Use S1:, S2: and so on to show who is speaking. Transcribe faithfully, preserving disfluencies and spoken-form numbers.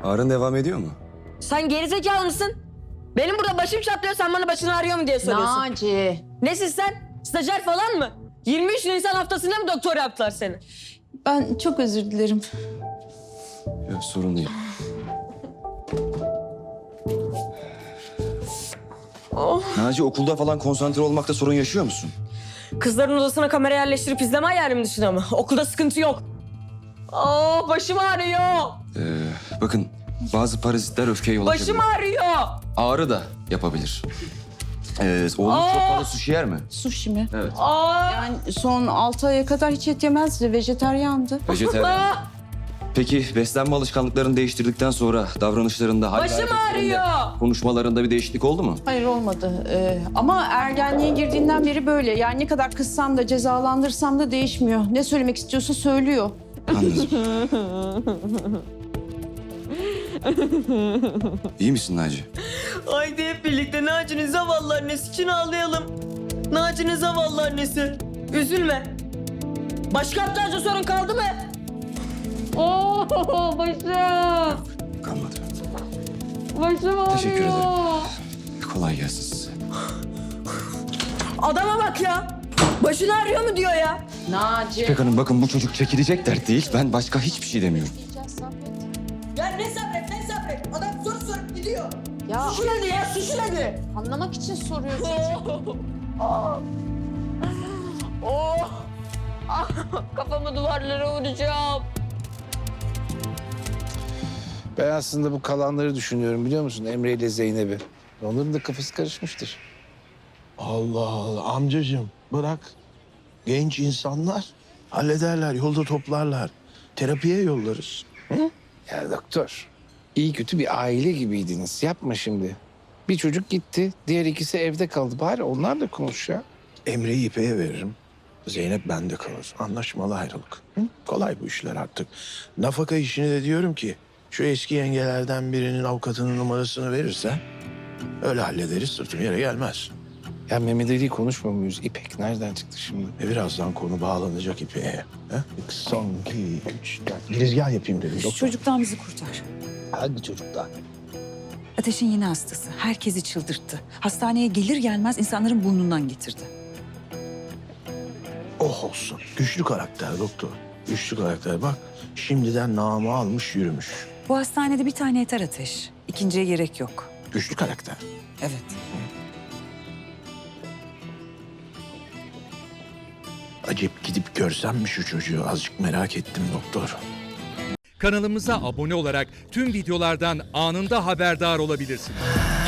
S1: Ağrın devam ediyor mu?
S2: Sen gerizekalı mısın? Benim burada başım çatlıyor, sen bana başın ağrıyor mu diye soruyorsun.
S3: Naci.
S2: Nesin sen? Stajyer falan mı? yirmi üç Nisan haftasında mı doktor yaptılar seni?
S3: Ben çok özür dilerim.
S1: Yok, sorun değil.
S2: Oh.
S1: Naci, okulda falan konsantre olmakta sorun yaşıyor musun?
S2: Kızların odasına kamera yerleştirip izleme hayalim dışında mı? Okulda sıkıntı yok. Aa, başım ağrıyor.
S1: Ee, bakın, bazı parazitler öfkeye yol açabilir.
S2: Başım ağrıyor.
S1: Ağrı da yapabilir. Ee, oğlum
S2: Aa!
S1: çok fazla sushi yer mi?
S3: Sushi mi?
S1: Evet.
S2: Aa.
S3: Yani son altı aya kadar hiç et yemezdi. Vejetaryandı.
S1: Vejetaryen.
S2: Aa,
S1: Peki beslenme alışkanlıklarını değiştirdikten sonra davranışlarında, hal ve
S2: başım
S1: hareketlerinde,
S2: ağrıyor.
S1: konuşmalarında bir değişiklik oldu mu?
S3: Hayır olmadı. Ee, ama ergenliğe girdiğinden beri böyle. Yani ne kadar kızsam da cezalandırsam da değişmiyor. Ne söylemek istiyorsa söylüyor.
S1: Anladım. İyi misin Naci?
S2: Haydi hep birlikte Naci'nin zavallı annesi için ağlayalım. Naci'nin zavallı annesi. Üzülme. Başka aptalca sorun kaldı mı? Oo, başım.
S1: Kalmadı.
S2: Başım ağrıyor.
S1: Teşekkür ederim. Kolay gelsin size.
S2: Adama bak ya. Başın ağrıyor mu diyor ya.
S3: Naci.
S1: İpek Hanım, bakın bu çocuk çekilecek dert değil. Ben başka hiçbir şey demiyorum.
S2: Ya ne sabret ne sabret. Adam soru sorup gidiyor.
S3: Ya
S2: Suçu hadi ya suçu hadi.
S3: anlamak için soruyor çocuk.
S2: Oh. Oh. Ah, kafamı duvarlara vuracağım.
S4: Ben aslında bu kalanları düşünüyorum, biliyor musun? Emre ile Zeynep'i. Onların da kafası karışmıştır.
S5: Allah Allah amcacığım bırak. Genç insanlar hallederler, yolda toplarlar. Terapiye yollarız.
S4: Ya doktor, iyi kötü bir aile gibiydiniz. Yapma şimdi. Bir çocuk gitti, diğer ikisi evde kaldı. Bari onlar da konuş ya.
S5: Emre'yi İpek'e veririm. Zeynep bende kalır. Anlaşmalı ayrılık. Hı? Kolay bu işler artık. Nafaka işini de diyorum ki şu eski yengelerden birinin avukatının numarasını verirsen öyle hallederiz, sırtım yere gelmez.
S4: Ya Mehmet Ali'yi konuşmuyor muyuz? İpek nereden çıktı şimdi?
S5: E birazdan konu bağlanacak İpek'e. He? Son iki, üç, dört. Girizgah yapayım dedim.
S6: Şu
S5: doktor.
S6: çocuktan bizi kurtar.
S4: Hangi çocuklar?
S6: Ateş'in yeni hastası. Herkesi çıldırttı. Hastaneye gelir gelmez insanların burnundan getirdi.
S5: Oh olsun. Güçlü karakter doktor. Güçlü karakter. Bak şimdiden namı almış yürümüş.
S6: Bu hastanede bir tane yeter Ateş. İkinciye gerek yok.
S5: Güçlü karakter.
S6: Evet.
S5: Acep gidip görsem mi şu çocuğu? Azıcık merak ettim doktor.
S7: Kanalımıza abone olarak tüm videolardan anında haberdar olabilirsiniz.